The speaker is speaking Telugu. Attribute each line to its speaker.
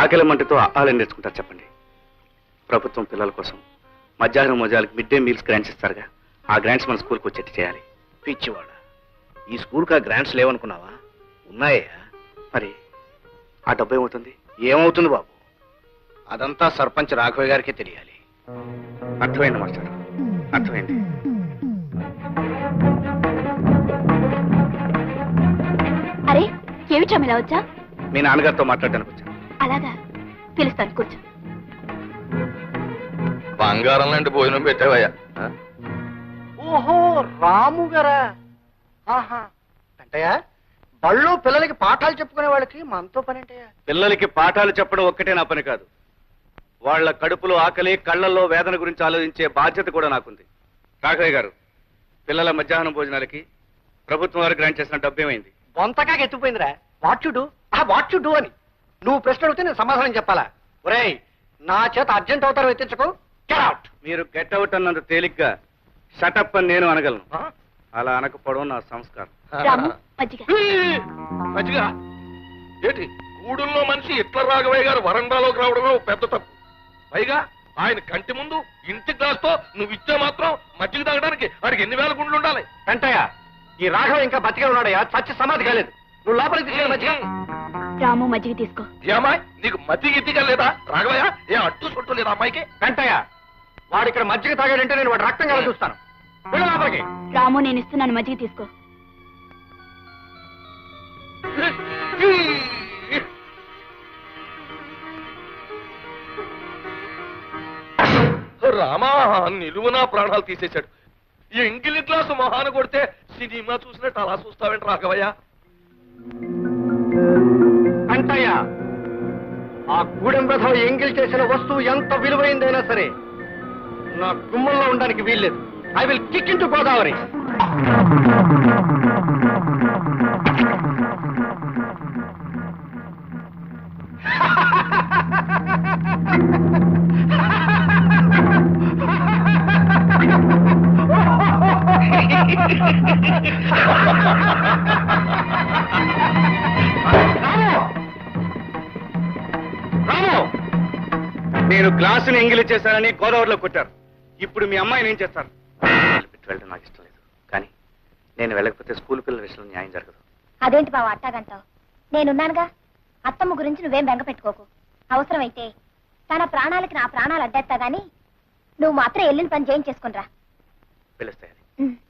Speaker 1: ఆకలి మంటతో ఆహారం నేర్చుకుంటారు చెప్పండి? ప్రభుత్వం పిల్లల కోసం మధ్యాహ్నం మోజాలకు మిడ్ డే మీల్స్ గ్రాంట్స్ ఇస్తారుగా, ఆ గ్రాంట్స్ మన స్కూల్కి వచ్చేట్టు చేయాలి.
Speaker 2: పిచ్చివాడ, ఈ స్కూల్కి ఆ గ్రాంట్స్ లేవనుకున్నావా? ఉన్నాయా?
Speaker 1: మరి ఆ డబ్బు ఏమవుతుంది?
Speaker 2: ఏమవుతుంది బాబు, అదంతా సర్పంచ్ రాఘవయ్య గారికి తెలియాలి.
Speaker 1: అర్థమైంది మాస్టర్, అర్థమైంది.
Speaker 3: అరే ఏమిటా ఇలా వచ్చా?
Speaker 1: మీ నాన్నగారితో మాట్లాడడానికి వచ్చాను.
Speaker 3: అలాగా, పిలుస్తాను, కూర్చో.
Speaker 4: బంగారం లాంటి భోజనం పెట్టావయ్యా.
Speaker 2: ఓహో, రాము గారా? ఆహా, అంటయ్యా బళ్ళో పిల్లలకి పాఠాలు చెప్పుకునే వాళ్ళకి మనతో పని అంటయ్యా?
Speaker 1: పిల్లలకి పాఠాలు చెప్పడం ఒక్కటే నా పని కాదు, వాళ్ళ కడుపులో ఆకలి, కళ్ళల్లో వేదన గురించి ఆలోచించే బాధ్యత కూడా నాకుంది. రాఘవయ్య గారు, పిల్లల మధ్యాహ్నం భోజనాలకి ప్రభుత్వం వారు గ్రాంట్ చేసిన డబ్బు ఏమైంది?
Speaker 2: బొంతకాగా ఎత్తుపోయిందిరా. వాట్ యు డూ అని నువ్వు ప్రశ్న అడిగితే నేను సమాధానం చెప్పాలా? ఒరేయ్, నా చేత అర్జెంట్ అవుతారు ఎత్తించకు. Get out.
Speaker 1: మీరు గెట్ అవుట్ అన్నంత తేలిగ్గా షటప్ అని నేను అనగలను. అలా అనకపోవడం నా సంస్కారం.
Speaker 3: రాము, మజ్జిగ.
Speaker 4: మంచిగా ఏంటి, గూడుల్లో మనిషి ఇట్ల రాఘవయ్య గారు వరండాలోకి రావడమే పెద్ద తప్పు. పైగా ఆయన కంటి ముందు ఇంటి గ్లాస్తో నువ్వు ఇచ్చే మాత్రం మజ్జిగ తాగడానికి వాడికి ఎన్ని వేల గుండ్లు ఉండాలి?
Speaker 2: వెంటయ్య, ఈ రాఘవ ఇంకా బతికే ఉన్నాడయ్యా, చచ్చి సమాధి కాలేదు. నువ్వు లోపలికి తీసుకెళ్ళి మధ్య.
Speaker 3: రాము, మజ్జిగ తీసుకో.
Speaker 4: ఏమాయ్, నీకు మజ్జిగ ఇట్టిగా లేదా రాఘవయ్య? ఏ అట్టు సొట్టు లేదా అమ్మాయికి?
Speaker 2: వెంటయ్య, వాడు ఇక్కడ మజ్జిగ తాగాడంటే నేను వాడు రక్తం కల చూస్తాను. వెళ్ళు లోపలికి.
Speaker 3: రాము, నేను ఇస్తున్నాను, మజ్జిగ తీసుకో.
Speaker 4: రామా, నిలువునా ప్రాణాలు తీసేశాడు. ఈ ఎంగిలి గ్లాసు మొహాన కొడితే సినిమా చూసినట్టు అలా చూస్తావేంటి రాఘవయ్య?
Speaker 2: వెంటయ్య, ఆ గూడెం రథం ఎంగిల్ చేసిన వస్తువు ఎంత విలువైందైనా సరే నా గుమ్మంలో ఉండడానికి వీల్లేదు. I will kick into Godavari.
Speaker 1: నేను గ్లాసుని ఎంగిలి చేశానని గోదావరిలో కొట్టారు. ఇప్పుడు మీ అమ్మాయిని ఏం చేస్తారు? వెళ్ళడం నాకు ఇష్టం లేదు, కానీ నేను వెళ్ళకపోతే స్కూల్ పిల్లల విషయంలో న్యాయం జరగదు.
Speaker 3: అదేంటి బావ అట్టాగంటావు? నేనున్నానుగా. అత్తమ్మ గురించి నువ్వేం బెంగ పెట్టుకోకు. అవసరమైతే తన ప్రాణాలకి నా ప్రాణాలు అడ్డేస్తా గాని నువ్వు మాత్రం వెళ్ళిన పని చేయించేసుకునిరా.
Speaker 1: పిలుస్తాయని